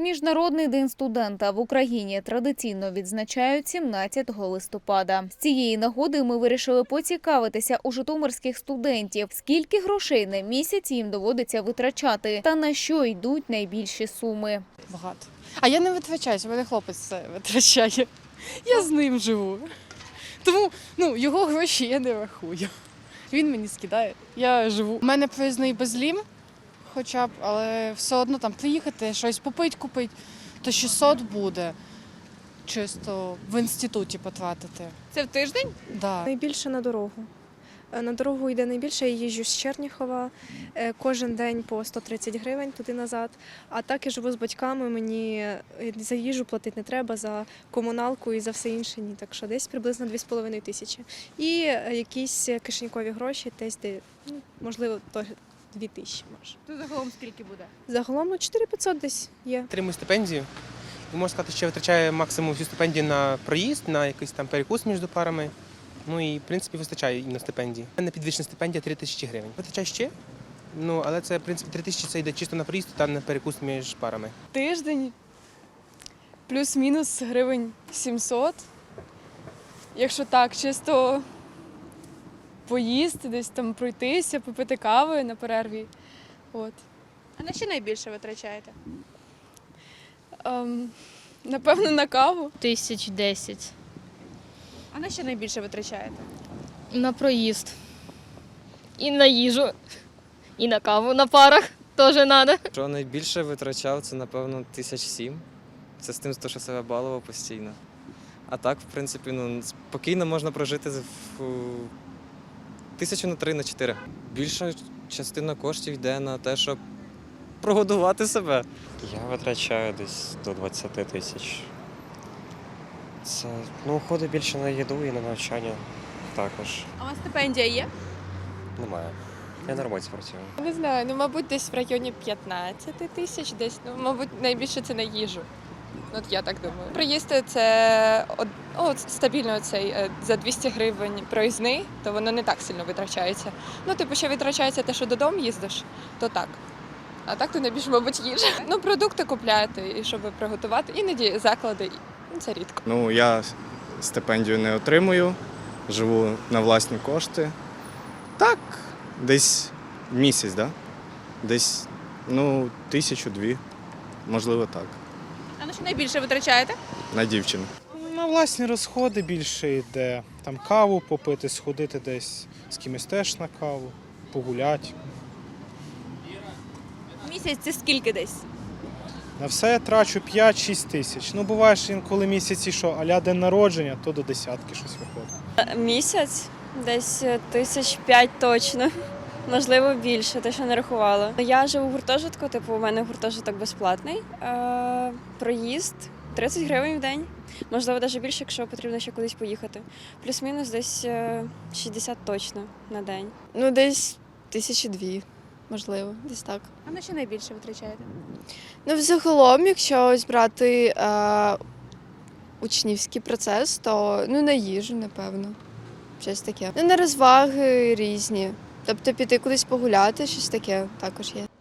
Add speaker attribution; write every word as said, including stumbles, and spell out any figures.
Speaker 1: Міжнародний день студента в Україні традиційно відзначають сімнадцятого листопада. З цієї нагоди ми вирішили поцікавитися у житомирських студентів, скільки грошей на місяць їм доводиться витрачати та на що йдуть найбільші суми.
Speaker 2: Багато. А я не витрачаюся, мене хлопець це витрачає. Я з ним живу. Тому ну, його гроші я не рахую. Він мені скидає, я живу. У мене проїзний безлім, хоча б, але все одно там приїхати, щось попити, купити, то шістсот буде чисто в інституті потратити.
Speaker 3: Це в тиждень?
Speaker 2: Да.
Speaker 4: Найбільше на дорогу. Е, На дорогу йде найбільше, я їжджу з Черніхова, е, кожен день по сто тридцять гривень туди-назад. А так я живу з батьками, мені е, за їжу платити не треба, за комуналку і за все інше ні. Так що десь приблизно дві з половиною тисячі. І е, якісь кишенькові гроші, десь, де, ну, можливо, то дві тисячі може.
Speaker 3: То загалом скільки буде?
Speaker 4: Загалом ну, чотири п'ятсот десь є.
Speaker 5: Отримую стипендію. І можна сказати, що витрачаю максимум всю стипендію на проїзд, на якийсь там перекус між парами. Ну і, в принципі, вистачає і на стипендії. У мене підвищена стипендія три тисячі гривень. Витрачаю ще, ну, але це, в принципі, три тисячі це йде чисто на проїзд та на перекус між парами.
Speaker 2: Тиждень плюс-мінус гривень сімсот. Якщо так, чисто поїсти, десь там пройтися, попити кави на перерві. От.
Speaker 3: А на що найбільше витрачаєте?
Speaker 2: Ем, напевно, на каву.
Speaker 6: Тисяч десять.
Speaker 3: А на що найбільше витрачаєте?
Speaker 6: На проїзд. І на їжу. І на каву на парах теж треба.
Speaker 7: Що найбільше витрачав, це, напевно, тисяч сім. Це з тим, що себе балував постійно. А так, в принципі, ну, спокійно можна прожити в тисячу на три, на чотири. Більша частина коштів йде на те, щоб прогодувати себе.
Speaker 8: Я витрачаю десь до двадцяти тисяч. Це, ну, уходить більше на їду і на навчання також.
Speaker 3: А у вас стипендія є?
Speaker 8: Немає. Я на роботі працюю.
Speaker 2: Не знаю, ну, мабуть, десь в районі п'ятнадцять тисяч, десь, ну, мабуть, найбільше це на їжу. От я так думаю. Приїсти це од- о, стабільно цей е, за двісті гривень проїзний, то воно не так сильно витрачається. Ну, типу, ще витрачається те, що додому їздиш, то так. А так то найбільше, мабуть, їжа. Ну, продукти купляти, і щоб приготувати, іноді заклади, ну, це рідко.
Speaker 9: Ну, я стипендію не отримую, живу на власні кошти. Так, десь місяць, да? Десь, ну, тисячу-дві, можливо, так,
Speaker 3: А на що найбільше витрачаєте?
Speaker 9: на дівчину.
Speaker 10: На власні розходи більше йде. Там каву попити, сходити десь з кимось теж на каву, погуляти.
Speaker 3: Місяць це скільки десь?
Speaker 10: На все я трачу п'ять-шість тисяч. Ну, буває ж інколи місяці, що а-ля день народження, то до десятки щось виходить.
Speaker 11: Місяць, десь тисяч п'ять точно, можливо більше, те, що не рахувала. Я живу в гуртожитку, типу у мене гуртожиток безплатний, е, проїзд тридцять гривень в день, можливо навіть більше, якщо потрібно ще кудись поїхати. Плюс-мінус десь е, шістдесят точно на день.
Speaker 2: Ну, десь тисячі дві, можливо, десь так.
Speaker 3: А на що найбільше витрачаєте?
Speaker 2: Ну, взагалом, якщо ось брати е, учнівський процес, то ну, на їжу, напевно, щось таке. Ну, на розваги різні. Тобто піти кудись погуляти, щось таке також є.